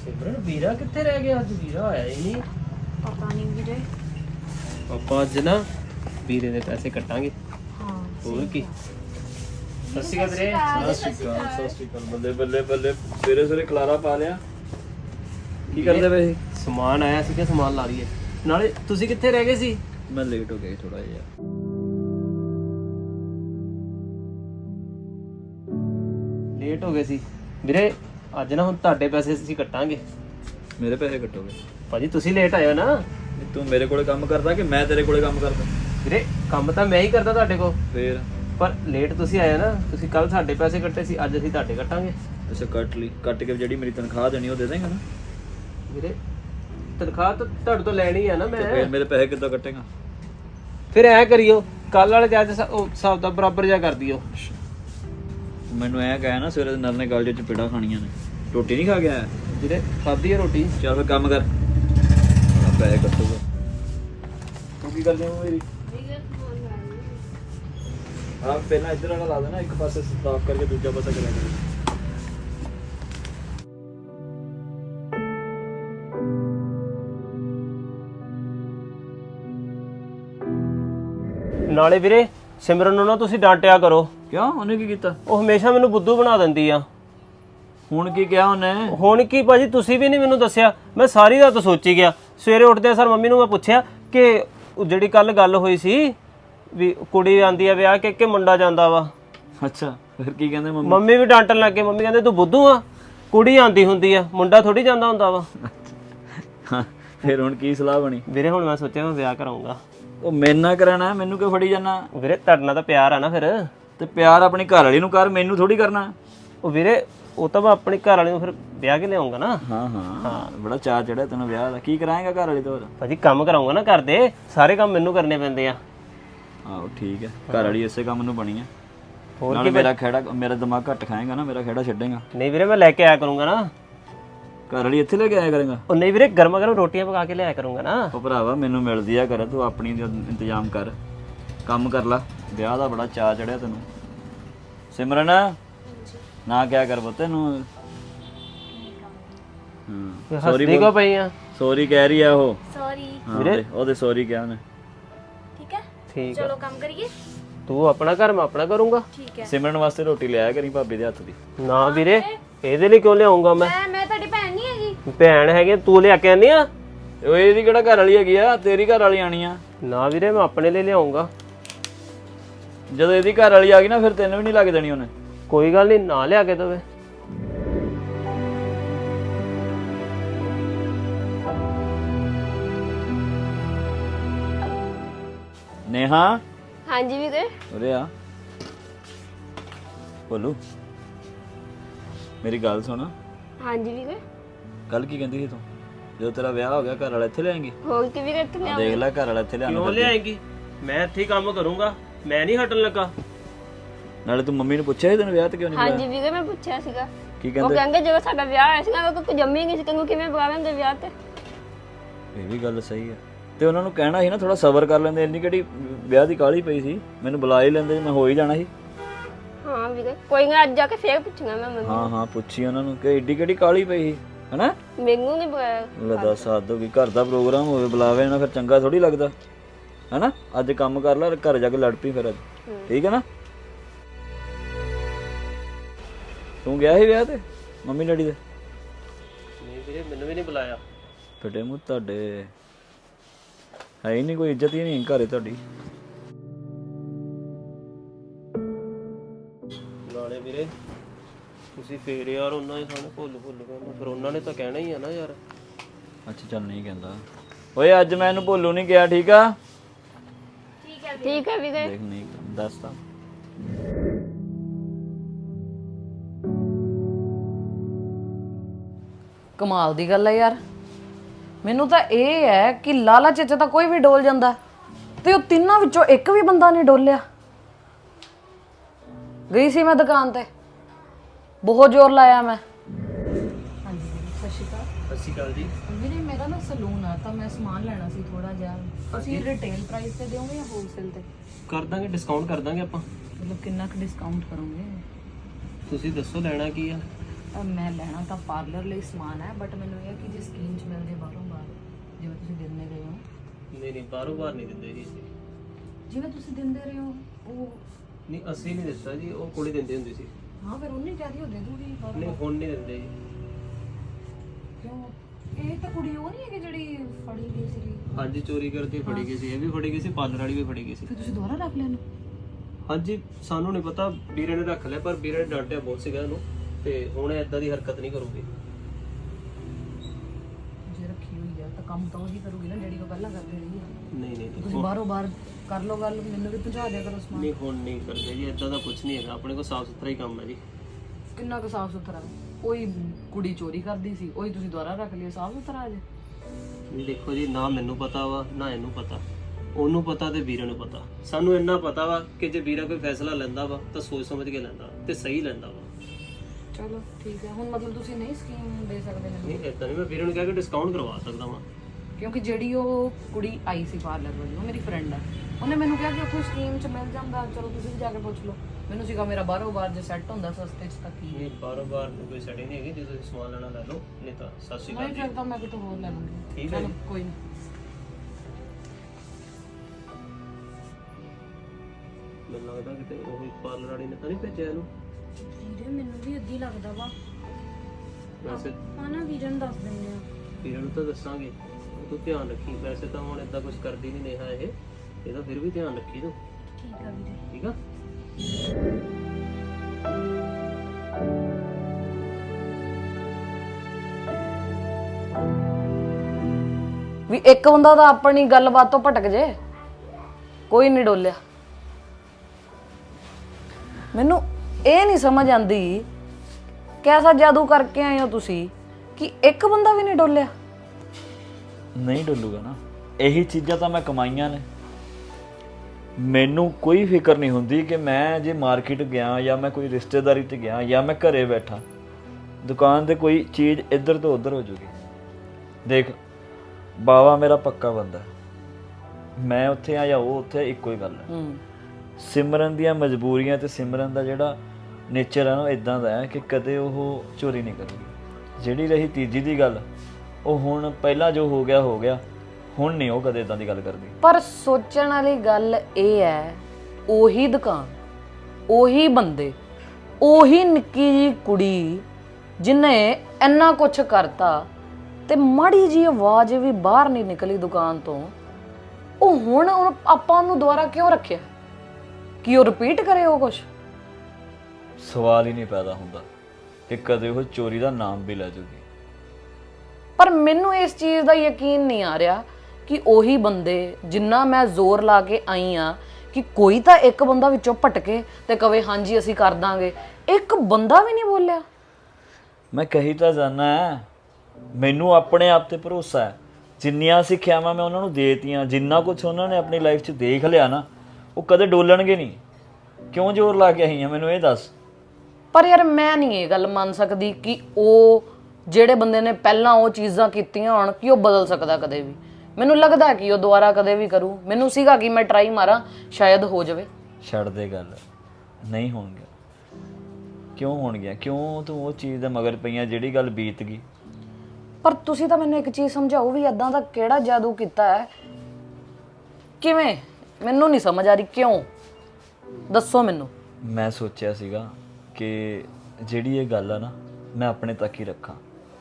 ਸਿਮਰਨ ਵੀਰਾ ਕਿੱਥੇ ਰਹਿ ਗਿਆ ਅੱਜ? ਵੀਰਾ ਆਇਆ ਹੀ ਨਹੀਂ। ਪਤਾ ਨਹੀਂ ਵੀਰੇ। ਆਪਾਂ ਅੱਜ ਨਾ ਵੀਰੇ ਦੇ ਪੈਸੇ ਕੱਟਾਂਗੇ। ਹਾਂ ਹੋਰ ਕੀ। ਸਤਿ ਸ਼੍ਰੀ ਅਕਾਲ ਵੀਰੇ। ਸਤਿ ਸ਼੍ਰੀ ਅਕਾਲ। ਬੱਲੇ ਬੱਲੇ ਬੱਲੇ, ਸਵੇਰੇ ਸਵੇਰੇ ਖਲਾਰਾ ਪਾ ਲਿਆ। ਕੀ ਕਰਦੇ ਪਏ ਸੀ? ਸਮਾਨ ਆਇਆ ਸੀ ਕਿ ਸਮਾਨ ਲਾ ਲਈਏ। ਨਾਲੇ ਤੁਸੀਂ ਕਿੱਥੇ ਰਹਿ ਗਏ ਸੀ? ਮੈਂ ਲੇਟ ਹੋ ਗਿਆ ਥੋੜਾ ਜਿਹਾ। ਲੇਟ ਹੋ ਗਏ ਸੀ ਵੀਰੇ। ਅੱਜ ਨਾ ਹੁਣ ਤੁਹਾਡੇ ਪੈਸੇ ਅਸੀਂ ਕੱਟਾਂਗੇ। ਮੇਰੇ ਪੈਸੇ ਕੱਟੋਗੇ? ਭਾਜੀ ਤੁਸੀਂ ਲੇਟ ਆਏ ਹੋ ਨਾ। ਤੂੰ ਮੇਰੇ ਕੋਲੇ ਕੰਮ ਕਰਦਾ ਕਿ ਮੈਂ ਤੇਰੇ ਕੋਲੇ ਕੰਮ ਕਰਦਾ? ਵੀਰੇ ਕੰਮ ਤਾਂ ਮੈਂ ਹੀ ਕਰਦਾ ਤੁਹਾਡੇ ਕੋਲ, ਫੇਰ ਪਰ ਲੇਟ ਤੁਸੀਂ ਆਏ ਨਾ। ਤੁਸੀਂ ਕੱਲ ਸਾਡੇ ਪੈਸੇ ਕੱਟੇ ਸੀ, ਅੱਜ ਅਸੀਂ ਤੁਹਾਡੇ ਕੱਟਾਂਗੇ। ਅੱਛਾ ਕੱਟ ਲਈ। ਕੱਟ ਕੇ ਜਿਹੜੀ ਮੇਰੀ ਤਨਖਾਹ ਦੇਣੀ ਉਹ ਦੇ ਦੇਂਗਾ ਨਾ? ਵੀਰੇ ਤਨਖਾਹ ਤਾਂ ਤੁਹਾਡੇ ਤੋਂ ਲੈਣੀ ਆ ਨਾ ਮੈਂ। ਫੇਰ ਮੇਰੇ ਪੈਸੇ ਕਿੱਦਾਂ ਕੱਟੇਗਾ? ਫਿਰ ਐ ਕਰਿਓ, ਕੱਲ ਵਾਲੇ ਤੇ ਅੱਜ ਉਹ ਹਿਸਾਬ ਦਾ ਬਰਾਬਰ ਜਿਹਾ ਕਰ ਦਿਓ। ਮੈਨੂੰ ਐਂ ਕਹਿਆ ਨਾ ਸਵੇਰੇ ਨਰ ਨੇ ਕਾਲਜ ਚ ਪੇੜਾ ਖਾਣੀਆਂ ਨੇ, ਰੋਟੀ ਨਹੀਂ ਖਾ ਕੇ ਆਇਆ? ਵੀਰੇ ਖਾਧੀ ਆ ਰੋਟੀ। ਚੱਲ ਫਿਰ ਕੰਮ ਕਰ, ਪੈਸੇ ਕੱਟੂਗਾ। ਤੂੰ ਕੀ ਕਰਦੇ ਹੋ ਮੇਰੀ? ਹਾਂ ਪਹਿਲਾਂ ਇੱਧਰ ਵਾਲਾ ਲਾ ਦੇਣਾ, ਇੱਕ ਪਾਸੇ ਸਾਫ਼ ਕਰਕੇ ਦੂਜਾ ਪਾਸਾ ਕਰਿਆ ਕਰ। ਨਾਲੇ ਵੀਰੇ ਸਿਮਰਨ ਨੂੰ ਨਾ ਤੁਸੀਂ ਡਾਂਟਿਆ ਕਰੋ। ਕਿਉਂ? ਉਹਨੇ ਕੀ ਕੀਤਾ? ਉਹ ਹਮੇਸ਼ਾ ਮੈਨੂੰ ਬੁੱਧੂ ਬਣਾ ਦਿੰਦੀ ਆ। ਹੁਣ ਕੀ ਕਿਹਾ ਉਹਨੇ? ਹੁਣ ਕੀ ਭਾਜੀ, ਤੁਸੀਂ ਵੀ ਨਹੀਂ ਮੈਨੂੰ ਦੱਸਿਆ। ਮੈਂ ਸਾਰੀ ਰਾਤ ਸੋਚੀ ਗਿਆ। ਸਵੇਰੇ ਉੱਠਦੇ ਸਰ ਮੰਮੀ ਨੂੰ ਮੈਂ ਪੁੱਛਿਆ ਕਿ ਉਹ ਜਿਹੜੀ ਕੱਲ ਗੱਲ ਹੋਈ ਸੀ ਵੀ ਕੁੜੀ ਆਂਦੀ ਆ ਵਿਆਹ ਕਿ ਮੁੰਡਾ ਜਾਂਦਾ ਵਾ। ਅੱਛਾ ਫਿਰ ਕੀ ਕਹਿੰਦੇ ਮੰਮੀ? ਮੰਮੀ ਵੀ ਡਾਂਟਣ ਲੱਗ ਗਏ। ਮੰਮੀ ਕਹਿੰਦੇ ਤੂੰ ਬੁੱਧੂ ਆ, ਕੁੜੀ ਆਂਦੀ ਹੁੰਦੀ ਆ, ਮੁੰਡਾ ਥੋੜੀ ਜਾਂਦਾ ਹੁੰਦਾ ਵਾ। ਫਿਰ ਹੁਣ ਕੀ ਸਲਾਹ ਬਣੀ? ਵੀਰੇ ਹੁਣ ਮੈਂ ਸੋਚਿਆ ਮੈਂ ਵਿਆਹ ਕਰਾਉਂਗਾ। ਉਹ ਮੇਰੇ ਨਾਲ ਕਰਾਣਾ, ਮੈਨੂੰ ਕਿਉਂ ਫੜੀ ਜਾਣਾ? ਵੀਰੇ ਤੁਹਾਡੇ ਨਾਲ ਤਾਂ ਪਿਆਰ ਆ ਨਾ ਫਿਰ। ਤੇ ਪਿਆਰ ਆਪਣੀ ਘਰ ਵਾਲੀ ਨੂੰ ਕਰ, ਮੈਨੂੰ ਥੋੜੀ ਕਰਨਾ। ਉਹ ਵੀਰੇ ਉਹ ਤਾਂ ਮੈਂ ਆਪਣੀ ਘਰ ਵਾਲੀ ਨੂੰ ਫਿਰ ਵਿਆਹ ਕੇ ਲਿਆਉਂਗਾ ਨਾ। ਹਾਂ ਹਾਂ ਬੜਾ ਚਾਅ ਚੜਿਆ ਤੈਨੂੰ ਵਿਆਹ ਦਾ। ਕੀ ਕਰਾਏਗਾ ਘਰ ਵਾਲੀ ਤੋਂ? ਭਾਜੀ ਕੰਮ ਕਰਾਉਂਗਾ ਨਾ ਘਰ ਦੇ, ਸਾਰੇ ਕੰਮ ਮੈਨੂੰ ਕਰਨੇ ਪੈਂਦੇ ਆ। ਆਹੋ ਠੀਕ ਹੈ, ਘਰ ਵਾਲੀ ਇਸੇ ਕੰਮ ਨੂੰ ਬਣੀ ਹੈ। ਹੋਰ ਨਾਲੇ ਮੇਰਾ ਖੇੜਾ, ਮੇਰਾ ਦਿਮਾਗ ਘੱਟ ਖਾਏਗਾ ਨਾ, ਮੇਰਾ ਖੇੜਾ ਛੱਡੇਗਾ। ਨਹੀਂ ਵੀਰੇ ਮੈਂ ਲੈ ਕੇ ਆਇਆ ਕਰੂੰਗਾ ਨਾ। ਘਰ ਵਾਲੀ ਇੱਥੇ ਲੈ ਕੇ ਆਇਆ ਕਰੇਗਾ? ਉਹ ਨਹੀਂ ਵੀਰੇ ਗਰਮਾ ਗਰਮ ਰੋਟੀਆਂ ਪਕਾ ਕੇ ਲਿਆਇਆ ਕਰੂੰਗਾ ਨਾ। ਉਹ ਭਰਾਵਾ ਮੈਨੂੰ ਮਿਲਦੀ ਆ ਕਰ, ਤੂੰ ਆਪਣੀ ਇੰਤਜ਼ਾਮ ਕਰ, ਕੰਮ ਕਰ ਲੈ। ਵਿਆਹ ਦਾ ਬੜਾ ਚਾਅ ਚੜਿਆ ਤੈਨੂੰ। ਸਿਮਰਨ ਨਾ ਕਿਆ ਕਰ ਪੁੱਤ ਇਹਨੂੰ। ਸੌਰੀ ਕੋ ਪਈ ਆ? ਸੌਰੀ ਕਹਿ ਰਹੀ ਆ ਉਹ। ਸੌਰੀ ਵੀਰੇ ਉਹਦੇ ਸੌਰੀ ਕਿਹਾ ਉਹਨੇ। ਠੀਕ ਹੈ ਠੀਕ ਚਲੋ ਕੰਮ ਕਰੀਏ। ਤੂੰ ਆਪਣਾ ਘਰ ਮੈਂ ਆਪਣਾ ਕਰੂੰਗਾ। ਠੀਕ ਹੈ। ਸਿਮਰਨ ਵਾਸਤੇ ਰੋਟੀ ਲਿਆਇਆ ਕਰੀ ਭਾਬੀ ਦੇ ਹੱਥ ਦੀ। ਨਾ ਵੀਰੇ ਇਹਦੇ ਲਈ ਕਿਉਂ ਲਿਆਉਂਗਾ ਮੈਂ? ਮੈਂ ਤੁਹਾਡੀ ਭੈਣ ਨਹੀਂ ਹੈਗੀ? ਭੈਣ ਹੈਗੀ ਤੂੰ ਲਿਆ ਕੇ ਆਨੀ ਆ? ਉਹ ਇਹਦੀ ਕਿਹੜਾ ਘਰ ਵਾਲੀ ਹੈਗੀ ਆ? ਤੇਰੀ ਘਰ ਵਾਲੀ ਆਣੀ ਆ। ਨਾ ਵੀਰੇ ਮੈਂ ਆਪਣੇ ਲਈ ਲਿਆਉਂਗਾ। ਜਦੋਂ ਇਹਦੀ ਘਰ ਵਾਲੀ ਆ ਗਈ ਨਾ ਫਿਰ ਤੈਨੂੰ ਵੀ ਨਹੀਂ ਲੱਗ ਦੇਣੀ ਉਹਨੇ। ਕੋਈ ਗੱਲ ਨਹੀਂ, ਨਾ ਲਿਆ ਕੇ ਦਵੇ। ਨੇਹਾ ਹਾਂਜੀ ਵੀਰੇ। ਉਰੇ ਆ। ਬੋਲੂ ਮੇਰੀ ਗੱਲ ਸੁਣ। ਹਾਂਜੀ ਵੀਰੇ। ਕੱਲ ਕੀ ਕਹਿੰਦੀ ਸੀ ਤੂੰ? ਜਦੋਂ ਤੇਰਾ ਵਿਆਹ ਹੋ ਗਿਆ ਘਰ ਵਾਲਾ ਇੱਥੇ ਲਿਆਏਂਗੀ? ਹੋਰ ਕੀ ਵੀਰੇ ਇੱਥੇ ਲਿਆਓ। ਦੇਖ ਲੈ ਘਰ ਵਾਲਾ ਇੱਥੇ ਲਿਆਉਣਾ। ਕਿਉਂ ਲਿਆਏਗੀ? ਮੈਂ ਇੱਥੇ ਹੀ ਕੰਮ ਕਰੂੰਗਾ, ਮੈਂ ਨਹੀਂ ਹਟਣ ਲੱਗਾ। ਨਾਲੇ ਤੂੰ ਮੰਮੀ ਨੂੰ ਪੁੱਛਿਆ ਸੀ ਤੈਨੂੰ ਵਿਆਹ ਤੇ ਕਿਉਂ ਨਹੀਂ ਬੁਲਾਇਆ? ਹਾਂਜੀ ਵੀਰੇ ਮੈਂ ਪੁੱਛਿਆ ਸੀਗਾ। ਕੀ ਉਹ ਕਹਿੰਦੇ? ਕਹਿੰਦੇ ਜਦੋਂ ਸਾਡਾ ਵਿਆਹ ਹੋਇਆ ਸੀਗਾ ਉਹ ਕੋਈ ਜੰਮੀ ਨਹੀਂ ਸੀ, ਤੈਨੂੰ ਕਿਵੇਂ ਬੁਲਾਵਾਂਗੇ ਵਿਆਹ ਤੇ? ਇਹ ਵੀ ਗੱਲ ਸਹੀ ਹੈ। ਤੇ ਉਹਨਾਂ ਨੂੰ ਕਹਿਣਾ ਸੀ ਨਾ ਥੋੜਾ ਸਬਰ ਕਰ ਲੈਂਦੇ। ਇੰਨੀ ਕਿਹੜੀ ਵਿਆਹ ਦੀ ਕਾਹਲੀ ਪਈ ਸੀ? ਮੈਨੂੰ ਬੁਲਾ ਹੀ ਲੈਂਦੇ, ਮੈਂ ਹੋ ਹੀ ਜਾਣਾ ਸੀ। ਹਾਂ ਵੀਰੇ ਕੋਈ ਨਾ, ਅੱਜ ਜਾ ਕੇ ਫੇਰ ਪੁੱਛੂੰਗਾ ਮੈਂ ਮੰਮੀ। ਹਾਂ ਹਾਂ ਪੁੱਛੀ ਉਹਨਾਂ ਨੂੰ ਕਿ ਏਡੀ ਕਿਹੜੀ ਕਾਹਲੀ ਪਈ ਸੀ, ਹਨਾ? ਮੈਨੂੰ ਨਹੀਂ ਬੁਲਾਇਆ। ਲੈ ਦੱਸ ਹੱਦ ਹੋ ਗਈ। ਘਰ ਦਾ ਪ੍ਰੋਗਰਾਮ ਹੋਵੇ ਬੁਲਾਵੇ ਨਾ, ਫਿਰ ਚੰਗਾ ਥੋੜੀ ਲੱਗਦਾ, ਹਨਾ? ਅੱਜ ਕੰਮ ਕਰ ਲੈ, ਘਰ ਜਾ ਕੇ ਲੜ ਪਈ ਫਿਰ ਅੱਜ। ਠੀਕ ਹੈ ਨਾ? ਤੂੰ ਗਿਆ ਸੀ ਵਿਆਹ ਤੇ ਮੰਮੀ ਡੈਡੀ ਦੇ? ਨਹੀਂ ਵੀਰੇ ਮੈਨੂੰ ਵੀ ਨਹੀਂ ਬੁਲਾਇਆ। ਫਟੇ ਮੂੰਹ ਤੁਹਾਡੇ, ਹੈ ਹੀ ਨਹੀਂ ਕੋਈ ਇੱਜ਼ਤ ਹੀ ਨਹੀਂ ਘਰੇ ਤੁਹਾਡੀ। ਨਾਲੇ ਵੀਰੇ ਤੁਸੀਂ ਫੇਰ ਯਾਰ ਉਹਨਾਂ ਦੇ ਸਾਹਮਣੇ ਭੁੱਲ ਕੇ, ਫਿਰ ਉਹਨਾਂ ਨੇ ਤਾਂ ਕਹਿਣਾ ਹੀ ਆ ਨਾ ਯਾਰ। ਅੱਛਾ ਚੱਲ ਨਹੀਂ ਕਹਿੰਦਾ। ਓਏ ਅੱਜ ਮੈਂ ਇਹਨੂੰ ਭੋਲੂ ਨਹੀਂ ਗਿਆ, ਠੀਕ ਆ? ਠੀਕ ਹੈ ਵੀਰੇ। ਦੇਖ ਨਹੀਂ ਦੱਸਦਾ। ਕਮਾਲ ਦੀ ਗੱਲ ਹੈ ਯਾਰ। ਮੈਨੂੰ ਤਾਂ ਇਹ ਹੈ ਕਿ ਲਾਲਚ 'ਚ ਤਾਂ ਕੋਈ ਵੀ ਡੋਲ ਜਾਂਦਾ ਤੇ ਉਹ ਤਿੰਨਾਂ ਵਿੱਚੋਂ ਇੱਕ ਵੀ ਬੰਦਾ ਨਹੀਂ ਡੋਲਿਆ। ਗਈ ਸੀ ਮੈਂ ਦੁਕਾਨ ਤੇ, ਬਹੁਤ ਜ਼ੋਰ ਲਾਇਆ ਮੈਂ। ਹਾਂਜੀ ਸਤਿ ਸ਼੍ਰੀ ਅਕਾਲ। ਸਤਿ ਸ਼੍ਰੀ ਅਕਾਲ ਜੀ। ਵੀਰੇ ਮੇਰਾ ਨਾ ਸਲੂਨ ਆ ਤਾਂ ਮੈਂ ਸਮਾਨ ਲੈਣਾ ਸੀ ਥੋੜਾ ਜਿਹਾ। ਤੁਸੀਂ ਰਿਟੇਲ ਪ੍ਰਾਈਸ ਤੇ ਦਿਓਗੇ ਜਾਂ ਹੋਲਸੇਲ ਤੇ? ਕਰ ਦਾਂਗੇ, ਡਿਸਕਾਊਂਟ ਕਰ ਦਾਂਗੇ ਆਪਾਂ। ਮਤਲਬ ਕਿੰਨਾ ਕੁ ਡਿਸਕਾਊਂਟ ਕਰੋਗੇ? ਤੁਸੀਂ ਦੱਸੋ ਲੈਣਾ ਕੀ ਆ? ਮੈਂ ਲੈਣਾ ਤਾਂ ਪਾਰਲਰ ਲਈ ਸਮਾਨ ਹੈ, ਬਟ ਮੈਨੂੰ ਇਹ ਹੈ ਕਿ ਜੇ ਸਕੀਮ 'ਚ ਮਿਲ ਜੇ ਬਾਹਰੋਂ ਬਾਹਰ, ਜਿਵੇਂ ਤੁਸੀਂ ਦਿੰਦੇ ਰਹੇ ਹੋ, ਨਹੀਂ ਬਾਹਰੋਂ ਬਾਹਰ ਨਹੀਂ ਦਿੰਦੇ ਜੀ। ਜਿਵੇਂ ਤੁਸੀਂ ਦਿੰਦੇ ਰਹੇ ਹੋ ਉਹ। ਨਹੀਂ ਅਸੀਂ ਨਹੀਂ ਦਿੱਤਾ ਜੀ, ਉਹ ਕੁੜੀ ਦਿੰਦੀ ਹੁੰਦੀ ਸੀ। ਹਾਂ ਫਿਰ ਉਹਨੇ ਕਹਿ ਦਿਓ ਦੇ ਦੂਗੀ ਬਾਹਰੋਂ। ਨਹੀਂ ਹੁਣ ਨਹੀਂ ਦਿੰਦੇ ਜੀ। ਕਿਉਂ? ਇਹ ਤਾਂ ਕੁੜੀ ਉਹ ਨਹੀਂ ਹੈ ਕਿ ਜਿਹੜੀ ਫੜੀ ਗਈ ਸੀ? ਹਾਂਜੀ ਚੋਰੀ ਕਰਕੇ ਫੜੀ ਗਈ ਸੀ, ਇਹ ਵੀ ਫੜੀ ਗਈ ਸੀ, ਪਾਰਲਰ ਵਾਲੀ ਵੀ ਫੜੀ ਗਈ ਸੀ। ਫਿਰ ਤੁਸੀਂ ਦੁਬਾਰਾ ਰੱਖ ਲਿਆ ਇਹਨੂੰ? ਹਾਂਜੀ ਸਾਨੂੰ ਨਹੀਂ ਪਤਾ, ਵੀਰੇ ਨੇ ਰੱਖ ਲਿਆ, ਪਰ ਵੀਰੇ ਨੇ ਡਾਂਟਿਆ ਬਹੁਤ ਸੀਗਾ ਇਹਨੂੰ, ਤੇ ਹੁਣ ਏਦਾਂ ਦੀ ਹਰਕਤ ਨਹੀਂ ਕਰੂਗੀ। ਜੇ ਰੱਖੀ ਹੋਈ ਆ ਤਾਂ ਕੰਮ ਤਾਂ ਉਹੀ ਕਰੂਗੀ ਨਾ ਜਿਹੜੀ ਉਹ ਪਹਿਲਾਂ ਕਰਦੀ ਰਹੀ ਆ। ਨਹੀਂ ਤੁਸੀਂ ਬਾਹਰੋਂ ਬਾਹਰ ਕਰ ਲਓ ਗੱਲ, ਮੈਨੂੰ ਵੀ ਪਹੁੰਚਾ ਦਿਆ ਕਰੋ ਸਮਾਨ। ਨਹੀਂ ਹੁਣ ਨਹੀਂ ਕਰਦੇ ਜੀ, ਏਦਾਂ ਦਾ ਕੁਝ ਨਹੀਂ ਹੈਗਾ, ਆਪਣੇ ਕੋਲ ਸਾਫ ਸੁਥਰਾ ਹੀ ਕੰਮ ਹੈ ਜੀ। ਕਿੰਨਾ ਕੁ ਸਾਫ ਸੁਥਰਾ? ਕੋਈ ਕੁੜੀ ਚੋਰੀ ਕਰਦੀ ਸੀ, ਉਹੀ ਤੁਸੀਂ ਦੁਬਾਰਾ ਰੱਖ ਲਿਆ, ਸਾਫ ਸੁਥਰਾ ਜੇ? ਦੇਖੋ ਜੀ, ਨਾ ਮੈਨੂੰ ਪਤਾ ਵਾ ਨਾ ਇਹਨੂੰ ਪਤਾ, ਉਹਨੂੰ ਪਤਾ ਤੇ ਵੀਰੇ ਨੂੰ ਪਤਾ। ਸਾਨੂੰ ਇੰਨਾ ਪਤਾ ਵਾ ਕਿ ਜੇ ਵੀਰਾ ਕੋਈ ਫੈਸਲਾ ਲੈਂਦਾ ਵਾ ਤਾਂ ਸੋਚ ਸਮਝ ਕੇ ਲੈਂਦਾ ਤੇ ਸਹੀ ਲੈਂਦਾ ਵਾ। ਚਲੋ ਠੀਕ ਹੈ, ਹੁਣ ਮਤਲਬ ਤੁਸੀਂ ਨਹੀਂ ਸਕੀਮ ਦੇ ਸਕਦੇ ਮੈਨੂੰ? ਨਹੀਂ ਏਦਾਂ ਨਹੀਂ, ਮੈਂ ਵੀਰੇ ਨੂੰ ਕਹਿ ਕੇ ਡਿਸਕਾਊਂਟ ਕਰਵਾ ਸਕਦਾ ਵਾਂ। ਕਿਉਂਕਿ ਜਿਹੜੀ ਉਹ ਕੁੜੀ ਆਈ ਸੀ ਪਾਰਲਰ ਵਾਲੀ, ਉਹ ਮੇਰੀ ਫਰੈਂਡ ਆ, ਉਹਨੇ ਮੈਨੂੰ ਕਿਹਾ ਕਿ ਉੱਥੇ ਸਕੀਮ 'ਚ ਮਿਲ ਜਾਂਦਾ, ਚਲੋ ਤੁਸੀਂ ਵੀ ਜਾ ਕੇ ਪੁੱਛ ਲਓ। ਮੈਨੂੰ ਸੀਗਾ ਮੇਰਾ ਬਾਹਰੋਂ ਬਾਹਰ ਜੇ ਸੈੱਟ ਹੁੰਦਾ ਸਸਤੇ 'ਚ ਤਾਂ ਕੀ। ਨਹੀਂ ਬਾਰੋ ਬਾਰ ਕੋਈ ਸੈਟਿੰਗ ਨਹੀਂ ਹੈਗੀ, ਜੇ ਤੁਸੀਂ ਸਮਾਨ ਲੈਣਾ ਲੈ ਲਓ, ਨਹੀਂ ਤਾਂ ਸਤਿ ਸ਼੍ਰੀ ਅਕਾਲ ਨਹੀਂ ਜੀ। ਫਿਰ ਤਾਂ ਮੈਂ ਕਿਤੋਂ ਹੋਰ ਲੈ ਲੂੰਗੀ। ਠੀਕ ਹੈ ਚਲੋ ਜੀ। ਕੋਈ ਨਹੀਂ। ਮੈਨੂੰ ਲੱਗਦਾ ਕਿਤੇ ਉਹ ਪਾਰਲਰ ਵਾਲੀ ਨੇ ਤਾਂ ਨਹੀਂ ਭੇਜਿਆ ਇਹਨੂੰ। ਵੀਰੇ ਮੈਨੂੰ ਵੀ ਅੱਧੀ ਲੱਗਦਾ ਵਾ। ਵੈਸੇ ਹਾਂ ਨਾ, ਵੀਰੇ ਨੂੰ ਦੱਸ ਦਿੰਦੇ ਆ। ਵੀਰੇ ਨੂੰ ਤਾਂ ਦੱਸਾਂਗੇ, ਤੂੰ ਧਿਆਨ ਰੱਖੀ। ਵੈਸੇ ਤਾਂ ਹੁਣ ਏਦਾਂ ਕੁਝ ਕਰਦੀ ਨਹੀਂ ਨੇਹਾ ਇਹ, ਇਹਦਾ ਫਿਰ ਵੀ ਧਿਆਨ ਰੱਖੀ ਤੂੰ, ਠੀਕ ਆ ਵੀਰੇ। ਠੀਕ ਆ। ਵੀ ਇੱਕ ਬੰਦਾ ਤਾਂ ਆਪਣੀ ਗੱਲਬਾਤ ਤੋਂ ਭਟਕ ਜੇ, ਕੋਈ ਨਹੀਂ ਡੋਲਿਆ। ਮੈਨੂੰ ਇਹ ਨਹੀਂ ਸਮਝ ਆਂਦੀ ਕਿਹਦਾ ਜਾਦੂ ਕਰਕੇ ਆਏ ਹੋ ਤੁਸੀਂ ਕਿ ਇੱਕ ਬੰਦਾ ਵੀ ਨਹੀਂ ਡੋਲਿਆ। ਨਹੀਂ ਡੁੱਲੂਗਾ ਨਾ, ਇਹੀ ਚੀਜ਼ਾਂ ਤਾਂ ਮੈਂ ਕਮਾਈਆਂ ਨੇ। ਮੈਨੂੰ ਕੋਈ ਫਿਕਰ ਨਹੀਂ ਹੁੰਦੀ ਕਿ ਮੈਂ ਜੇ ਮਾਰਕੀਟ ਗਿਆ ਜਾਂ ਮੈਂ ਕੋਈ ਰਿਸ਼ਤੇਦਾਰੀ 'ਚ ਗਿਆ ਜਾਂ ਮੈਂ ਘਰੇ ਬੈਠਾ, ਦੁਕਾਨ ਤੇ ਕੋਈ ਚੀਜ਼ ਇੱਧਰ ਤੋਂ ਉੱਧਰ ਹੋ ਜੂਗੀ। ਦੇਖ ਬਾਵਾ ਮੇਰਾ ਪੱਕਾ ਬੰਦਾ, ਮੈਂ ਉੱਥੇ ਆ ਜਾਂ ਉਹ ਉੱਥੇ, ਇੱਕੋ ਹੀ ਗੱਲ ਹੈ। ਸਿਮਰਨ ਦੀਆਂ ਮਜਬੂਰੀਆਂ ਤੇ ਸਿਮਰਨ ਦਾ ਜਿਹੜਾ ਨੇਚਰ ਹੈ ਨਾ, ਇਦਾਂ ਦਾ ਹੈ ਕਿ ਕਦੇ ਉਹ ਚੋਰੀ ਨਹੀਂ ਕਰੂਗੀ। ਜਿਹੜੀ ਰਹੀ ਤੀਜੀ ਦੀ ਗੱਲ, ਉਹ ਹੁਣ ਪਹਿਲਾਂ ਜੋ ਹੋ ਗਿਆ, ਹੁਣ ਨਹੀਂ ਉਹ ਕਦੇ ਇਦਾਂ ਦੀ ਗੱਲ ਕਰਦੀ। ਪਰ ਸੋਚਣ ਵਾਲੀ ਗੱਲ ਇਹ ਹੈ, ਉਹੀ ਦੁਕਾਨ, ਉਹੀ ਬੰਦੇ, ਉਹੀ ਨਿੱਕੀ ਜੀ ਕੁੜੀ ਜਿਨੇ ਇੰਨਾ ਕੁਛ ਕਰਤਾ ਤੇ ਮਾੜੀ ਜੀ ਆਵਾਜ਼ ਵੀ ਬਾਹਰ ਨਹੀਂ ਨਿਕਲੀ ਦੁਕਾਨ ਤੋਂ, ਉਹ ਹੁਣ ਆਪਾਂ ਉਹਨੂੰ ਦੁਬਾਰਾ ਕਿਉਂ ਰੱਖਿਆ? ਕਿ ਉਹ ਰਿਪੀਟ ਕਰੇ ਉਹ ਕੁਛ? ਸਵਾਲ ਹੀ ਨਹੀਂ ਪੈਦਾ ਹੁੰਦਾ ਕਿ ਕਦੇ ਉਹ ਚੋਰੀ ਦਾ ਨਾਮ ਵੀ ਲੈ ਜੂਗੀ। ਪਰ ਮੈਨੂੰ ਇਸ ਚੀਜ਼ ਦਾ ਯਕੀਨ ਨਹੀਂ ਆ ਰਿਹਾ ਕਿ ਉਹੀ ਬੰਦੇ, ਜਿੰਨਾ ਮੈਂ ਜ਼ੋਰ ਲਾ ਕੇ ਆਈ ਆ ਕਿ ਕੋਈ ਤਾਂ ਇੱਕ ਬੰਦਾ ਵਿੱਚੋਂ ਭਟਕੇ ਤੇ ਕਵੇ ਹਾਂਜੀ ਅਸੀਂ ਕਰ ਦਾਂਗੇ, ਇੱਕ ਬੰਦਾ ਵੀ ਨਹੀਂ ਬੋਲਿਆ। ਮੈਂ ਕਹੀ ਤਾਂ ਜਾਣਾ ਹੈ, ਮੈਨੂੰ ਆਪਣੇ ਆਪ ਤੇ ਭਰੋਸਾ ਹੈ। ਜਿੰਨੀਆਂ ਸਿੱਖਿਆਵਾਂ ਮੈਂ ਉਹਨਾਂ ਨੂੰ ਦੇਤੀਆਂ, ਜਿੰਨਾ ਕੁਝ ਉਹਨਾਂ ਨੇ ਆਪਣੀ ਲਾਈਫ 'ਚ ਦੇਖ ਲਿਆ ਨਾ, ਉਹ ਕਦੇ ਡੋਲਣਗੇ ਨਹੀਂ। ਕਿਉਂ ਜ਼ੋਰ ਲਾ ਕੇ ਆਈ ਆ, ਮੈਨੂੰ ਇਹ ਦੱਸ। ਪਰ ਯਾਰ ਮੈਂ ਨਹੀਂ ਇਹ ਗੱਲ ਮੰਨ ਸਕਦੀ ਕਿ ਉਹ ਜਿਹੜੇ ਬੰਦੇ ਨੇ ਪਹਿਲਾਂ ਉਹ ਚੀਜ਼ਾਂ ਕੀਤੀਆਂ ਹੋਣ ਕਿ ਉਹ ਬਦਲ ਸਕਦਾ ਕਦੇ ਵੀ। ਮੈਨੂੰ ਲੱਗਦਾ ਕਿ ਉਹ ਦੁਬਾਰਾ ਕਦੇ ਵੀ ਕਰੂ। ਮੈਨੂੰ ਸੀਗਾ ਕਿ ਮੈਂ ਟਰਾਈ ਮਾਰਾਂ, ਸ਼ਾਇਦ ਹੋ ਜਾਵੇ। ਛੱਡ ਦੇ ਗੱਲ, ਨਹੀਂ ਹੋਣਗੇ। ਕਿਉਂ ਹੋਣਗੇ? ਕਿਉਂ ਤੂੰ ਉਹ ਚੀਜ਼ ਦੇ ਮਗਰ ਪਈਆਂ ਜਿਹੜੀ ਗੱਲ ਬੀਤ ਗਈ? ਪਰ ਤੁਸੀਂ ਤਾਂ ਮੈਨੂੰ ਇੱਕ ਚੀਜ਼ ਸਮਝਾਓ ਵੀ ਇਦਾਂ ਦਾ ਕਿਹੜਾ ਜਾਦੂ ਕੀਤਾ ਹੈ? ਕਿਵੇਂ? ਮੈਨੂੰ ਨਹੀਂ ਸਮਝ ਆ ਰਹੀ, ਕਿਉਂ? ਦੱਸੋ ਮੈਨੂੰ। ਮੈਂ ਸੋਚਿਆ ਸੀਗਾ ਕਿ ਜਿਹੜੀ ਇਹ ਗੱਲ ਆ ਨਾ, ਮੈਂ ਆਪਣੇ ਤੱਕ ਹੀ ਰੱਖਾਂ।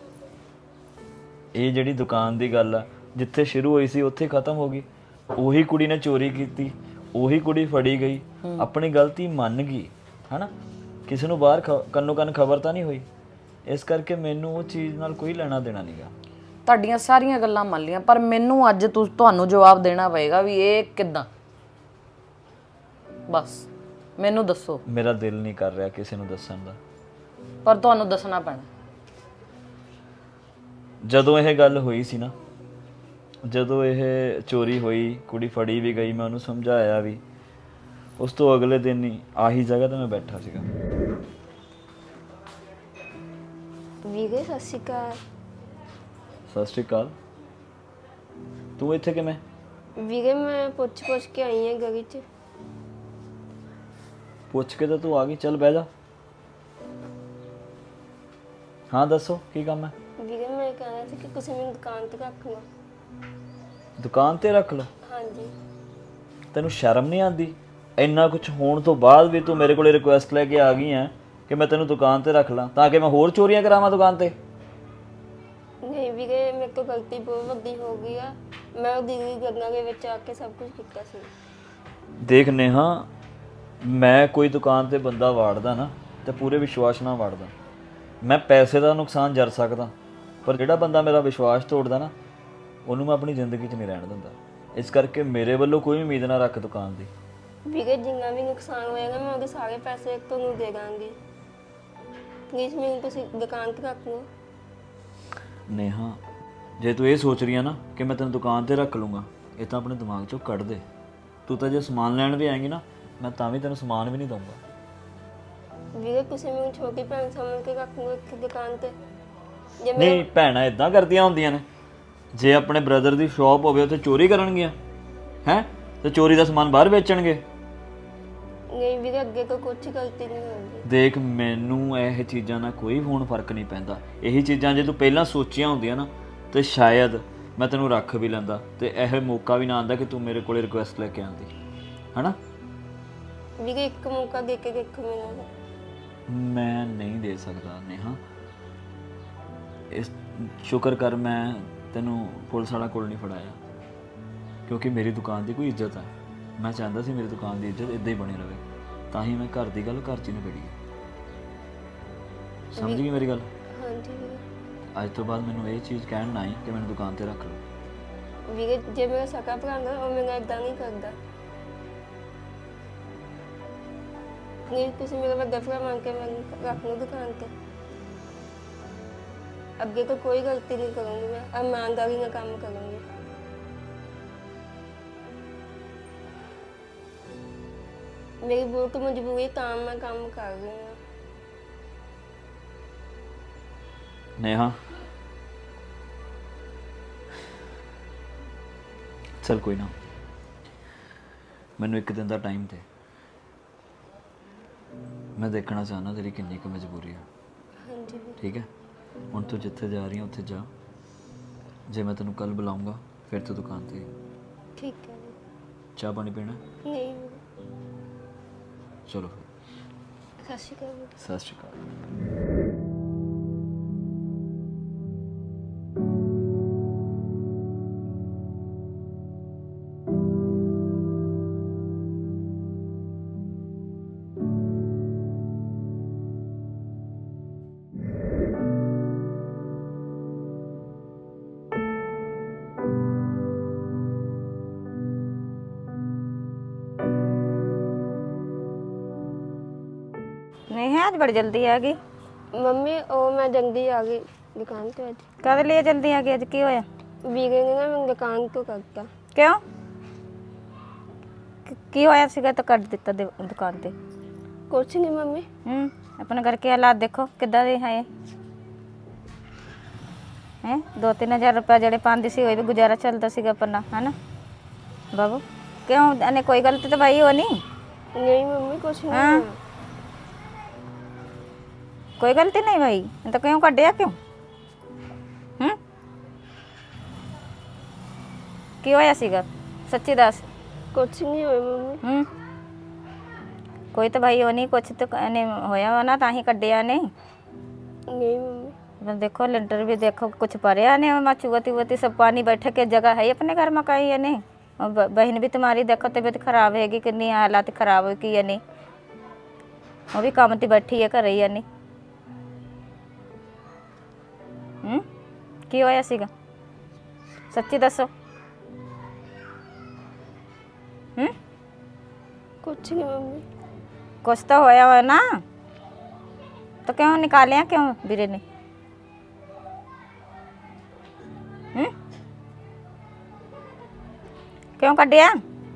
ਇਹ ਜਿਹੜੀ ਦੁਕਾਨ ਦੀ ਗੱਲ ਆ, ਜਿੱਥੇ ਸ਼ੁਰੂ ਹੋਈ ਸੀ ਉੱਥੇ ਖਤਮ ਹੋ ਗਈ। ਉਹੀ ਕੁੜੀ ਨੇ ਚੋਰੀ ਕੀਤੀ, ਉਹੀ ਕੁੜੀ ਫੜੀ ਗਈ, ਆਪਣੀ ਗਲਤੀ ਮੰਨ ਗਈ, ਹਨਾ? ਕਿਸੇ ਨੂੰ ਬਾਹਰ ਕੰਨੋ ਕੰਨ ਖਬਰ ਤਾਂ ਨਹੀਂ ਹੋਈ। ਇਸ ਕਰਕੇ ਮੈਨੂੰ ਉਹ ਚੀਜ਼ ਨਾਲ ਕੋਈ ਲੈਣਾ ਦੇਣਾ ਨਹੀਂਗਾ। ਤੁਹਾਡੀਆਂ ਸਾਰੀਆਂ ਗੱਲਾਂ ਮੰਨ ਲਈਆਂ, ਪਰ ਮੈਨੂੰ ਅੱਜ ਤੁਹਾਨੂੰ ਜਵਾਬ ਦੇਣਾ ਪਏਗਾ ਵੀ ਇਹ ਕਿੱਦਾਂ। ਬਸ ਮੈਨੂੰ ਦੱਸੋ। ਮੇਰਾ ਦਿਲ ਨਹੀਂ ਕਰ ਰਿਹਾ ਕਿਸੇ ਨੂੰ ਦੱਸਣ ਦਾ, ਪਰ ਤੁਹਾਨੂੰ ਦੱਸਣਾ ਪੈਣਾ। ਜਦੋਂ ਇਹ ਗੱਲ ਹੋਈ ਸੀ ਨਾ, ਜਦੋਂ ਇਹ ਚੋਰੀ ਹੋਈ, ਕੁੜੀ ਫੜੀ ਵੀ ਗਈ, ਮੈਂ ਉਹਨੂੰ ਸਮਝਾਇਆ ਵੀ। ਉਸ ਤੋਂ ਅਗਲੇ ਦਿਨ ਹੀ ਆਹੀ ਜਗ੍ਹਾ ਤੇ ਮੈਂ ਬੈਠਾ ਸੀਗਾ। ਵੀਰੇ ਸਤਿ ਸ਼੍ਰੀ ਅਕਾਲ। ਸਤਿ ਸ਼੍ਰੀ ਅਕਾਲ। ਤੂੰ ਇੱਥੇ ਕਿਵੇਂ? ਵੀਰੇ ਮੈਂ ਪੁੱਛ ਕੇ ਆਈ ਹਾਂ ਗਲੀ 'ਚ। ਪੁੱਛ ਕੇ ਤਾਂ ਤੂੰ ਆ ਗਈ, ਚੱਲ ਬਹਿ ਜਾ। ਹਾਂ ਦੱਸੋ ਕੀ ਕੰਮ ਹੈ? ਵੀਰੇ ਮੈਂ ਕਹਿਣਾ ਸੀ ਕਿ ਤੁਸੀਂ ਮੈਨੂੰ ਦੁਕਾਨ ਤੇ ਰੱਖ ਲਓ। ਦੁਕਾਨ ਤੇ ਰੱਖ ਲਓ? ਹਾਂਜੀ। ਤੈਨੂੰ ਸ਼ਰਮ ਨਹੀਂ ਆਉਂਦੀ? ਇੰਨਾ ਕੁਝ ਹੋਣ ਤੋਂ ਬਾਅਦ ਵੀ ਤੂੰ ਮੇਰੇ ਕੋਲੇ ਰਿਕੁਐਸਟ ਲੈ ਕੇ ਆ ਗਈ ਹੈ ਕਿ ਮੈਂ ਤੈਨੂੰ ਦੁਕਾਨ ਤੇ ਰੱਖ ਲਾਂ ਤਾਂ ਕਿ ਮੈਂ ਹੋਰ ਚੋਰੀਆਂ ਕਰਾਵਾਂ ਦੁਕਾਨ ਤੇ? ਨਹੀਂ ਵੀਰੇ, ਮੇਰੇ ਤੋਂ ਗਲਤੀ ਬਹੁਤ ਵੱਡੀ ਹੋ ਗਈ ਆ। ਮੈਂ ਉਹ ਦੀਦੀ ਗੱਲਾਂ ਦੇ ਵਿੱਚ ਆ ਕੇ ਸਭ ਕੁਝ ਕੀਤਾ ਸੀ। ਦੇਖ ਨੇਹਾ, ਮੈਂ ਕੋਈ ਦੁਕਾਨ ਤੇ ਬੰਦਾ ਵਾੜਦਾ ਨਾ ਤੇ ਪੂਰੇ ਵਿਸ਼ਵਾਸ ਨਾਲ ਵਾੜਦਾ। ਮੈਂ ਪੈਸੇ ਦਾ ਨੁਕਸਾਨ ਜਰ ਸਕਦਾ, ਪਰ ਜਿਹੜਾ ਬੰਦਾ ਮੇਰਾ ਵਿਸ਼ਵਾਸ ਤੋੜਦਾ ਨਾ ਉਹਨੂੰ ਮੈਂ ਆਪਣੀ ਜ਼ਿੰਦਗੀ 'ਚ ਨਹੀਂ ਰਹਿਣ ਦਿੰਦਾ। ਇਸ ਕਰਕੇ ਮੇਰੇ ਵੱਲੋਂ ਕੋਈ ਉਮੀਦ ਨਾ ਰੱਖ ਦੁਕਾਨ ਦੀ। ਵੀਰੇ ਜਿੰਨਾ ਵੀ ਨੁਕਸਾਨ ਹੋਏਗਾ ਮੈਂ ਉਹਦੇ ਸਾਰੇ ਪੈਸੇ ਤੁਹਾਨੂੰ ਦੇ ਦਾਂਗੀ। ਪਲੀਜ਼ ਮੈਨੂੰ ਤੁਸੀਂ ਦੁਕਾਨ ਤੇ ਰੱਖ ਲਓ। ਨੇਹਾ, ਜੇ ਤੂੰ ਇਹ ਸੋਚ ਰਹੀ ਆ ਨਾ ਕਿ ਮੈਂ ਤੈਨੂੰ ਦੁਕਾਨ ਤੇ ਰੱਖ ਲੂੰਗਾ, ਇਹ ਤਾਂ ਆਪਣੇ ਦਿਮਾਗ 'ਚੋਂ ਕੱਢ ਦੇ। ਤੂੰ ਤਾਂ ਜੇ ਸਮਾਨ ਲੈਣ ਵੀ ਆਏਂਗੀ ਨਾ, ਮੈਂ ਤਾਂ ਵੀ ਤੈਨੂੰ ਸਮਾਨ ਵੀ ਨਹੀਂ ਦਊਂਗਾ। ਵੀਰੇ ਤੁਸੀਂ ਮੈਨੂੰ ਛੋਟੀ ਭੈਣ ਸਮਝ ਕੇ ਰੱਖ ਲਓ ਇੱਕ ਦੁਕਾਨ ਤੇ। ਜੇ ਮੈਂ ਨਹੀਂ, ਭੈਣਾਂ ਇਦਾਂ ਕਰਦੀਆਂ ਹੁੰਦੀਆਂ ਨੇ। ਜੇ ਆਪਣੇ ਬ੍ਰਦਰ ਦੀ ਸ਼ਾਪ ਹੋਵੇ ਉੱਥੇ ਚੋਰੀ ਕਰਨਗੀਆਂ ਹੈ ਤੇ ਚੋਰੀ ਦਾ ਸਮਾਨ ਬਾਹਰ ਵੇਚਣਗੇ? ਨਹੀਂ ਵੀਰੇ, ਅੱਗੇ ਤੋਂ ਕੁਝ ਗਲਤੀ ਨਹੀਂ ਹੋਊਗੀ। ਦੇਖ, ਮੈਨੂੰ ਇਹ ਚੀਜ਼ਾਂ ਨਾਲ ਕੋਈ ਹੁਣ ਫਰਕ ਨਹੀਂ ਪੈਂਦਾ। ਇਹੀ ਚੀਜ਼ਾਂ ਜੇ ਤੂੰ ਪਹਿਲਾਂ ਸੋਚੀਆਂ ਹੁੰਦੀਆਂ ਨਾ ਤੇ ਸ਼ਾਇਦ ਮੈਂ ਤੈਨੂੰ ਰੱਖ ਵੀ ਲੈਂਦਾ ਤੇ ਇਹ ਮੌਕਾ ਵੀ ਨਾ ਆਉਂਦਾ ਕਿ ਤੂੰ ਮੇਰੇ ਕੋਲੇ ਰਿਕੁਐਸਟ ਲੈ ਕੇ ਆਉਂਦੀ, ਹਨਾ? ਵੀਰੇ ਇੱਕ ਮੌਕਾ ਦੇ ਕੇ ਦੇਖੋ ਮੈਨੂੰ। ਮੈਂ ਨਹੀਂ ਦੇ ਸਕਦਾ ਨੇਹਾ। ਇਸ ਸ਼ੁਕਰ ਕਰ ਮੈਂ ਤੈਨੂੰ ਪੁਲਿਸ ਵਾਲਾ ਕੋਲ ਨਹੀਂ ਫੜਾਇਆ, ਕਿਉਂਕਿ ਮੇਰੀ ਦੁਕਾਨ ਦੀ ਕੋਈ ਇੱਜ਼ਤ ਹੈ। ਮੈਂ ਚਾਹੁੰਦਾ ਸੀ ਮੇਰੀ ਦੁਕਾਨ ਦੀ ਇੱਜ਼ਤ ਇੱਦਾਂ ਹੀ ਬਣੀ ਰਹੇ, ਤਾਂ ਹੀ ਮੈਂ ਘਰ ਦੀ ਗੱਲ ਘਰ 'ਚ ਹੀ ਨਿਬੇੜੀ ਹੈ। ਸਮਝ ਗਈ ਮੇਰੀ ਗੱਲ? ਹਾਂਜੀ ਵੀਰੇ। ਅੱਜ ਤੋਂ ਬਾਅਦ ਮੈਨੂੰ ਇਹ ਚੀਜ਼ ਕਹਿਣ ਨਾ ਆਈ ਕਿ ਮੈਨੂੰ ਦੁਕਾਨ ਤੇ ਰੱਖ ਲਓ। ਵੀਰੇ ਜੇ ਮੇਰਾ ਸਕਾ ਭਰਾ ਨਾ ਉਹ ਮੇਰਾ ਇਦਾਂ ਨਹੀਂ ਕਰਦਾ। ਨਹੀਂ, ਤੁਸੀਂ ਮੇਰਾ ਵੱਡਾ ਭਰਾ ਮੰਨ ਕੇ ਮੈਨੂੰ ਰੱਖ ਲਓ ਦੁਕਾਨ ਤੇ। ਅੱਗੇ ਤੋਂ ਕੋਈ ਗਲਤੀ ਨਹੀਂ ਕਰੂੰਗੀ, ਮੈਂ ਇਮਾਨਦਾਰੀ ਨਾਲ ਕੰਮ ਕਰੂੰਗੀ। ਮੇਰੀ ਬਹੁਤ ਮਜਬੂਰੀ ਤਾਂ ਮੈਂ ਕੰਮ ਕਰ ਰਹੀ ਹਾਂ। ਨੇਹਾ, ਚਲ ਕੋਈ ਨਾ, ਮੈਨੂੰ ਇੱਕ ਦਿਨ ਦਾ ਟਾਈਮ ਦੇ। ਮੈਂ ਦੇਖਣਾ ਚਾਹੁੰਦਾ ਤੇਰੀ ਕਿੰਨੀ ਕੁ ਮਜਬੂਰੀ ਹੈ। ਹਾਂਜੀ ਵੀਰੇ। ਠੀਕ ਹੈ, ਹੁਣ ਤੂੰ ਜਿੱਥੇ ਜਾ ਰਹੀ ਹੈ ਉੱਥੇ ਜਾ। ਜੇ ਮੈਂ ਤੈਨੂੰ ਕੱਲ ਬੁਲਾਉਂਗਾ ਫਿਰ ਤੂੰ ਦੁਕਾਨ ਤੇ। ਠੀਕ ਹੈ ਵੀਰੇ। ਚਾਹ ਪਾਣੀ ਪੀਣਾ? ਨਹੀਂ ਵੀਰੇ। ਚਲੋ ਸਤਿ ਸ਼੍ਰੀ ਅਕਾਲ ਵੀਰੇ। ਸਤਿ ਸ਼੍ਰੀ ਅਕਾਲ। नहीं है आज बड़ी जल्दी आ गई। ਮੰਮੀ ਉਹ ਮੈਂ ਜਲਦੀ ਆ ਗਈ ਦੁਕਾਨ ਤੇ ਅੱਜ। कद लिए जल्दी आ गई अज की होया? ਵੀਰੇ ਨੇ ਨਾ ਮੈਨੂੰ ਦੁਕਾਨ ਤੋਂ ਕਰਤਾ। क्यों की होया सीगा तो कर दिता दुकान ते? ਕੁਛ ਨਹੀਂ ਮੰਮੀ। अपने घर के हालात देखो किदा दे है। हैं 2-3 हज़ार रुपया जेडे पांदी सी होई भी गुजारा चलता सीगा अपना, है ना बाबू? क्यों अने कोई गलती तो भाई हो नहीं? ਨਹੀਂ ਮੰਮੀ ਕੁਛ ਨਹੀਂ हाँ। ਹੋਇਆ। कोई गलती नहीं भाई, तो क्यों कटिया क्यों? की होया सीगा सच्ची दस? ਕੁਛ ਨਹੀਂ ਹੋਇਆ ਮੰਮੀ। कोई तो भाई होनी कुछ तो ने होया वा ना ताही कड्डिया ने। नहीं मम्मी। बस देखो लिंटर भी देखो कुछ पड़िया ने चुगती वती सब पानी बैठे के जगह है अपने घर में कहीं है नहीं। और बहन भी तुम्हारी देखो तबीयत खराब हैगी कितनी हालात खराब हो की है नहीं, वो भी काम ते बैठी है घर ही है नहीं। की होया सीगा सच्ची दसो? कुछ नहीं मम्मी। कुछ तो होया हो ना, तो क्यों निकालिया क्यों वीरे ने? क्यों कटिया?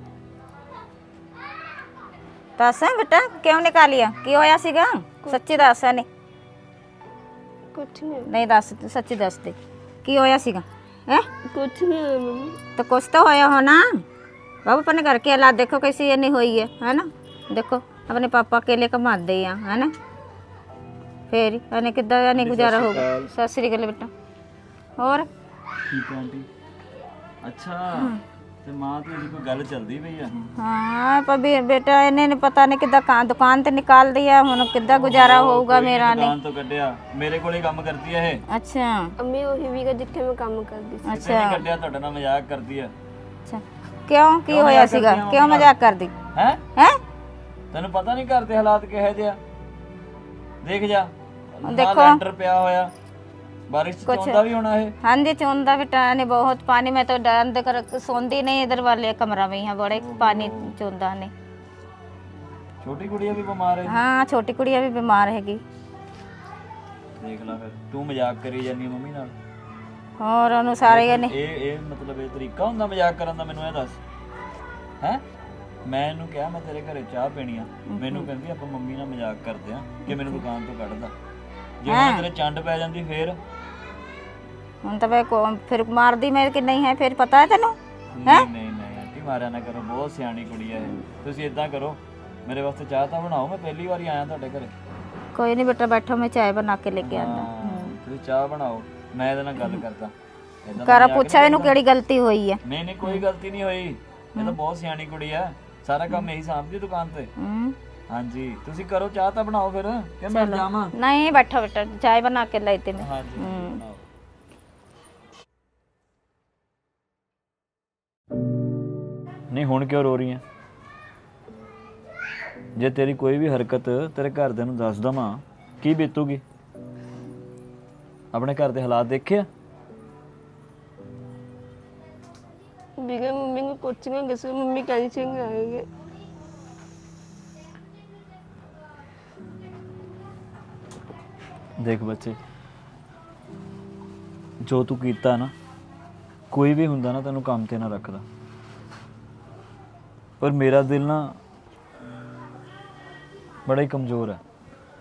दस बेटा क्यों निकालिया? की होया सीगा सच्ची दस है नहीं? कुछ नहीं। नहीं दस सच्ची दस दे की होया सीगा? है कुछ नहीं है मम्मी। तो कुछ तो होया हो ना बाबू। अपने घर की हालात देखो कैसी नहीं हुई है ना? देखो अपने पापा अकेले कमाते हैं, है ना? ਫੇਰ ਹੀ ਇਹਨੇ ਕਿੱਦਾਂ ਇਹਨੇ ਗੁਜ਼ਾਰਾ ਹੋਊਗਾ। ਸਤਿ ਸ੍ਰੀ ਅਕਾਲ ਬੇਟਾ। ਹੋਰ ਠੀਕ ਹੈ ਆਂਟੀ। ਅੱਛਾ ਤੇ ਮਾਂ ਤੇ ਇਹਦੀ ਕੋਈ ਗੱਲ ਚੱਲਦੀ ਪਈ ਆ? हाँ पर बेटा इन्हें ने पता नहीं कितना दुकान ते निकाल दिया हुन कितना गुजारा होगा मेरा ने। ਦੁਕਾਨ ਤੋਂ ਕੱਢਿਆ, ਮੇਰੇ ਕੋਲ ਹੀ ਕੰਮ ਕਰਦੀ ਆ ਇਹ। अच्छा ਅੰਮੀ ਉਹੀ ਵੀਗਾ ਜਿੱਥੇ ਮੈਂ ਕੰਮ ਕਰਦੀ ਸੀ। ਕਿਤੇ ਨਹੀਂ ਕੱਢਿਆ, ਤੁਹਾਡੇ ਨਾਲ ਮਜ਼ਾਕ ਕਰਦੀ ਆ। अच्छा क्यों की होया सीगा? क्यों मजाक कर दी ਹੈ हैं? ਤੈਨੂੰ ਪਤਾ ਨਹੀਂ ਘਰ ਦੇ ਹਾਲਾਤ ਕਿਹੋ ਜਿਹੇ ਆ? ਦੇਖ ਜਾ, ਦੇਖੋ। ਲੈਂਟਰ ਪਿਆ ਹੋਇਆ, ਬਾਰਿਸ਼ ਚ ਚੌਂਦਾ ਵੀ ਹੋਣਾ ਇਹ। हाँ जी चौंदा बेटा ने बहुत पानी में तो डर कर सोंदी नहीं इधर वाले कमरा में यहाँ बड़े पानी चौंदा ने। ਛੋਟੀ ਕੁੜੀ ਵੀ ਬਿਮਾਰ ਹੈ। हाँ छोटी कुड़िया भी बीमार हैगी। ਦੇਖ ਲੈ ਫਿਰ, ਤੂੰ ਮਜ਼ਾਕ ਕਰੀ ਜਾਂਦੀ ਆ ਮੰਮੀ ਨਾਲ। और उन्होंने सारे ने ਇਹ ਮਤਲਬ ਇਹ ਤਰੀਕਾ ਹੁੰਦਾ ਮਜ਼ਾਕ ਕਰਨ ਦਾ? ਮੈਨੂੰ ਇਹ ਦੱਸ। ਹੈ ਮੈਂ ਇਹਨੂੰ ਕਿਹਾ ਮੈਂ ਤੇਰੇ ਘਰੇ ਚਾਹ ਪੀਣੀ ਆ, ਮੈਨੂੰ ਕਹਿੰਦੀ ਆਪਾਂ ਮੰਮੀ ਨਾਲ ਮਜ਼ਾਕ ਕਰਦੇ ਆ ਕਿ ਮੈਨੂੰ ਦੁਕਾਨ ਤੋਂ ਕੱਢਦਾ। ਜੇ ਹੁਣ ਤੇਰੇ ਚੰਡ ਪੈ ਜਾਂਦੀ ਫੇਰ? ਹੁਣ ਤਾਂ ਫਿਰ ਮਾਰਦੀ ਮੈਂ ਕਿ ਨਹੀਂ ਹੈ ਫਿਰ ਪਤਾ ਹੈ ਤੈਨੂੰ? ਨਹੀਂ ਨਹੀਂ ਨਹੀਂ ਆਂਟੀ, ਮਾਰਿਆ ਨਾ ਕਰੋ, ਬਹੁਤ ਸਿਆਣੀ ਕੁੜੀ ਹੈ ਇਹ। ਤੁਸੀਂ ਇਦਾਂ ਕਰੋ, ਮੇਰੇ ਵਾਸਤੇ ਚਾਹ ਤਾਂ ਬਣਾਓ, ਮੈਂ ਪਹਿਲੀ ਵਾਰੀ ਆਇਆ ਤੁਹਾਡੇ ਘਰੇ। ਕੋਈ ਨਹੀਂ ਬੇਟਾ ਬੈਠੋ, ਮੈਂ ਚਾय ਬਣਾ ਕੇ ਲੈ ਕੇ ਆਂਦਾ। ਤੁਸੀਂ ਚਾਹ ਬਣਾਓ, ਮੈਂ ਇਹਦੇ ਨਾਲ ਗੱਲ ਕਰਦਾ। ਏਦਾਂ ਕਰਾ ਪੁੱਛਾ ਇਹਨੂੰ ਕਿਹੜੀ ਗਲਤੀ ਹੋਈ ਹੈ। ਨਹੀਂ ਨਹੀਂ ਕੋਈ ਗਲਤੀ ਨਹੀਂ ਹੋਈ, ਇਹ ਤਾਂ ਬਹੁਤ ਸਿਆਣੀ ਕੁੜੀ ਹੈ, ਸਾਰਾ ਕੰਮ ਇਹੀ ਸਾਂਭਦੀ ਦੁਕਾਨ ਤੇ। ਹਾਂਜੀ ਤੁਸੀਂ ਕਰੋ, ਚਾਹ ਤਾਂ ਬਣਾਓ ਫਿਰ ਕਿ ਮੈਂ ਜਾਵਾਂ? ਨਹੀਂ ਬੈਠੋ ਬੇਟਾ, ਚਾय ਬਣਾ ਕੇ ਲਾਈਤੇ ਮੈਂ। ਹਾਂਜੀ ਬਣਾਓ। ਨਹੀਂ ਹੁਣ ਕਿਉਂ ਰੋ ਰਹੀ ਹੈ? ਜੇ ਤੇਰੀ ਕੋਈ ਵੀ ਹਰਕਤ ਤੇਰੇ ਘਰਦਿਆਂ ਨੂੰ ਦੱਸ ਦਵਾਂ ਕੀ ਬੀਤੂਗੀ? ਆਪਣੇ ਘਰ ਦੇ ਹਾਲਾਤ ਦੇਖਿਆ? ਵੀਗਾ ਮੰਮੀ ਨੂੰ ਪੁੱਛਾਂਗੇ ਸੋ ਮੰਮੀ ਕਹਿੰਦੀ ਸੀ ਆਏਗੇ। ਦੇਖ ਬੱਚੇ, ਜੋ ਤੂੰ ਕੀਤਾ ਨਾ, ਕੋਈ ਵੀ ਹੁੰਦਾ ਨਾ ਤੈਨੂੰ ਕੰਮ ਤੇ ਨਾ ਰੱਖਦਾ, ਪਰ ਮੇਰਾ ਦਿਲ ਨਾ ਬੜਾ ਹੀ ਕਮਜ਼ੋਰ ਹੈ।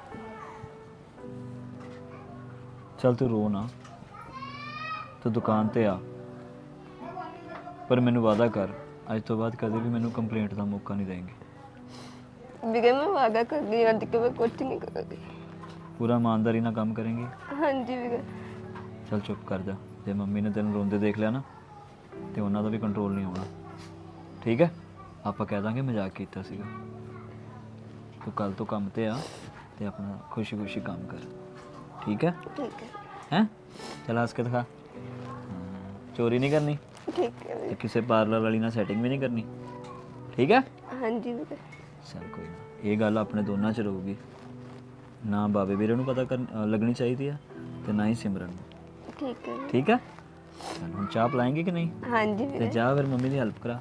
ਚੱਲ ਤੂੰ ਰੋ ਨਾ, ਤੂੰ ਦੁਕਾਨ ਤੇ ਆ, ਪਰ ਮੈਨੂੰ ਵਾਅਦਾ ਕਰ ਅੱਜ ਤੋਂ ਬਾਅਦ ਕਦੇ ਵੀ ਮੈਨੂੰ ਕੰਪਲੇਂਟ ਦਾ ਮੌਕਾ ਨਹੀਂ ਦੇਂਗੇ। ਵੀਗਾ ਮੈਂ ਵਾਅਦਾ ਕਰਦੀ ਹਾਂ ਅੱਜ ਕਿ ਮੈਂ ਕੁਝ ਨਹੀਂ ਕਰਾਂਗੀ। ਪੂਰਾ ਇਮਾਨਦਾਰੀ ਨਾਲ ਕੰਮ ਕरेंगे? ਹਾਂਜੀ ਵੀਗਾ। ਚੱਲ ਚੁੱਪ ਕਰ ਜਾ, ਜੇ ਮੰਮੀ ਨੇ ਤੈਨੂੰ ਰੋਂਦੇ ਦੇਖ ਲਿਆ ਨਾ ਤੇ ਉਹਨਾਂ ਦਾ ਵੀ ਕੰਟਰੋਲ ਨਹੀਂ ਆਉਣਾ, ਠੀਕ ਹੈ? ਆਪਾਂ ਕਹਿ ਦਾਂਗੇ ਮਜ਼ਾਕ ਕੀਤਾ ਸੀਗਾ। ਤੂੰ ਕੱਲ ਤੋਂ ਕੰਮ ਤੇ ਆ ਤੇ ਆਪਣਾ ਖੁਸ਼ੀ-ਖੁਸ਼ੀ ਕੰਮ ਕਰ, ਠੀਕ ਹੈ? ਠੀਕ ਹੈ। हैं चल हंस के दिखा। चोरी नहीं करनी, ठीक है ते किसी पार्लर वाली ना सेटिंग भी नहीं करनी, ठीक है? हाँ जी ਵੀਰੇ। चल कोई ना, ये गल अपने दोनों च रहूगी ना, बाबे ਵੀਰੇ ਨੂੰ पता लगनी चाहिए है ते ना ही सिमरन ਨੂੰ, ठीक है। ठीक है? चल हम चाह पिलाएंगे कि नहीं? हाँ जी ते ਵੀਰੇ। जा फिर मम्मी की हेल्प करा।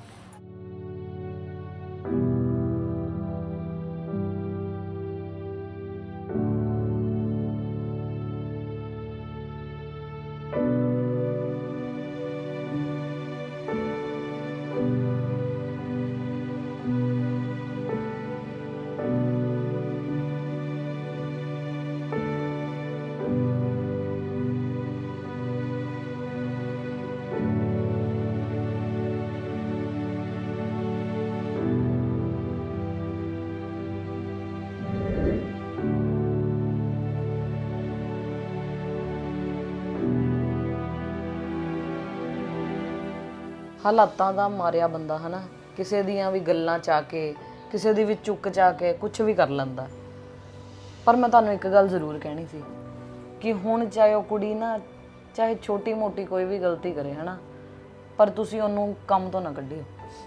ਹਾਲਾਤਾਂ ਦਾ ਮਾਰਿਆ ਬੰਦਾ ਹਨਾ, ਕਿਸੇ ਦੀਆਂ ਵੀ ਗੱਲਾਂ ਚਾ ਕੇ, ਕਿਸੇ ਦੀ ਵੀ ਚੁੱਕ ਚਾ ਕੇ ਕੁਝ ਵੀ ਕਰ ਲੈਂਦਾ। ਪਰ ਮੈਂ ਤੁਹਾਨੂੰ ਇੱਕ ਗੱਲ ਜ਼ਰੂਰ ਕਹਿਣੀ ਸੀ ਕਿ ਹੁਣ ਚਾਹੇ ਉਹ ਕੁੜੀ ਨਾ, ਚਾਹੇ ਛੋਟੀ ਮੋਟੀ ਕੋਈ ਵੀ ਗਲਤੀ ਕਰੇ ਹਨਾ, ਪਰ ਤੁਸੀਂ ਉਹਨੂੰ ਕੰਮ ਤੋਂ ਨਾ ਕੱਢਿਓ।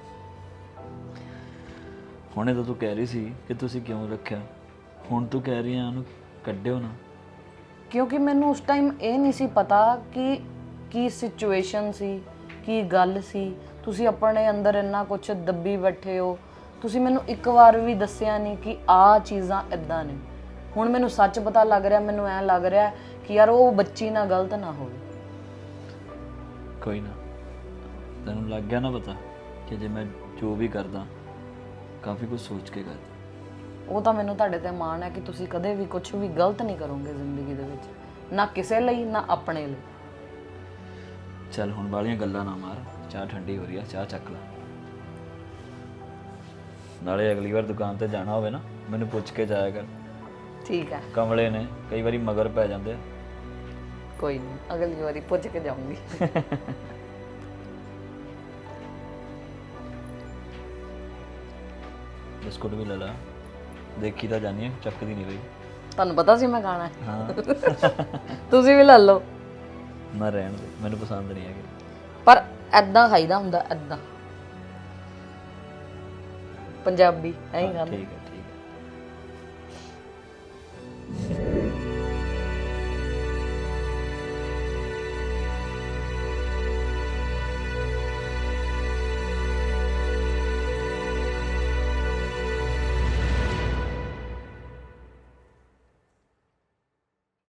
ਹੁਣੇ ਤਾਂ ਤੂੰ ਕਹਿ ਰਹੀ ਸੀ ਕਿ ਤੁਸੀਂ ਕਿਉਂ ਰੱਖਿਆ, ਹੁਣ ਤੂੰ ਕਹਿ ਰਹੀ ਆ ਉਹਨੂੰ ਕੱਢਿਓ ਨਾ। ਕਿਉਂਕਿ ਮੈਨੂੰ ਉਸ ਟਾਈਮ ਇਹ ਨਹੀਂ ਸੀ ਪਤਾ ਕਿ ਕੀ ਸਿਚੁਏਸ਼ਨ ਸੀ, ਕੀ ਗੱਲ ਸੀ। ਤੁਸੀਂ ਆਪਣੇ ਅੰਦਰ ਇੰਨਾ ਕੁਝ ਦੱਬੀ ਬੈਠੇ ਹੋ, ਤੁਸੀਂ ਮੈਨੂੰ ਇੱਕ ਵਾਰ ਵੀ ਦੱਸਿਆ ਨਹੀਂ ਕਿ ਆਹ ਚੀਜ਼ਾਂ ਇਦਾਂ ਨੇ। ਹੁਣ ਮੈਨੂੰ ਸੱਚ ਪਤਾ ਲੱਗ ਰਿਹਾ, ਮੈਨੂੰ ਐਂ ਲੱਗ ਰਿਹਾ ਕਿ ਯਾਰ ਉਹ ਬੱਚੀ ਨਾਲ ਗਲਤ ਨਾ ਹੋਵੇ। ਕੋਈ ਨਾ, ਤੈਨੂੰ ਲੱਗ ਗਿਆ ਨਾ ਪਤਾ ਕਿ ਜੇ ਮੈਂ ਜੋ ਵੀ ਕਰਦਾ ਕਾਫੀ ਕੁਝ ਸੋਚ ਕੇ ਕਰਦਾ। ਉਹ ਤਾਂ ਮੈਨੂੰ ਤੁਹਾਡੇ ਤੇ ਮਾਣ ਹੈ ਕਿ ਤੁਸੀਂ ਕਦੇ ਵੀ ਕੁਝ ਵੀ ਗਲਤ ਨਹੀਂ ਕਰੋਗੇ ਜ਼ਿੰਦਗੀ ਦੇ ਵਿੱਚ, ਨਾ ਕਿਸੇ ਲਈ ਨਾ ਆਪਣੇ ਲਈ। ਚੱਲ ਹੁਣ ਵਾਲੀਆਂ ਗੱਲਾਂ ਨਾ ਮਾਰ, ਚਾਹ ਠੰਡੀ ਹੋ ਰਹੀ ਆ, ਚਾਹ ਚੱਕ ਲੈ। ਨਾਲੇ ਅਗਲੀ ਵਾਰ ਦੁਕਾਨ ਤੇ ਜਾਣਾ ਹੋਵੇ ਨਾ, ਮੈਨੂੰ ਪੁੱਛ ਕੇ ਜਾਇਆ ਕਰ ਠੀਕ ਹੈ, ਕਮਲੇ ਨੇ ਕਈ ਵਾਰੀ ਮਗਰ ਪੈ ਜਾਂਦੇ ਆ। ਕੋਈ ਨਹੀਂ, ਅਗਲੀ ਵਾਰੀ ਪੁੱਛ ਕੇ ਜਾਊਂਗੀ। ਬਿਸਕੁਟ ਵੀ ਲੈ ਲਾ, ਦੇਖੀ ਤਾਂ ਜਾਨੀ ਹੈ, ਚੱਕਦੀ ਨਹੀਂ ਬਈ। ਤੁਹਾਨੂੰ ਪਤਾ ਸੀ ਮੈਂ ਖਾਣਾ ਹੈ। ਹਾਂ ਤੁਸੀਂ ਵੀ ਲੈ ਲਓ, ਮੈਂ ਰਹਿਣ ਦੇ, ਮੈਨੂੰ ਪਸੰਦ ਨਹੀਂ ਹੈਗੇ। ਪਰ ਐਦਾਂ ਖਾਈਦਾ ਹੁੰਦਾ, ਐਦਾਂ ਪੰਜਾਬੀ ਐਂ ਖਾਂਦੇ। ਠੀਕ ਹੈ।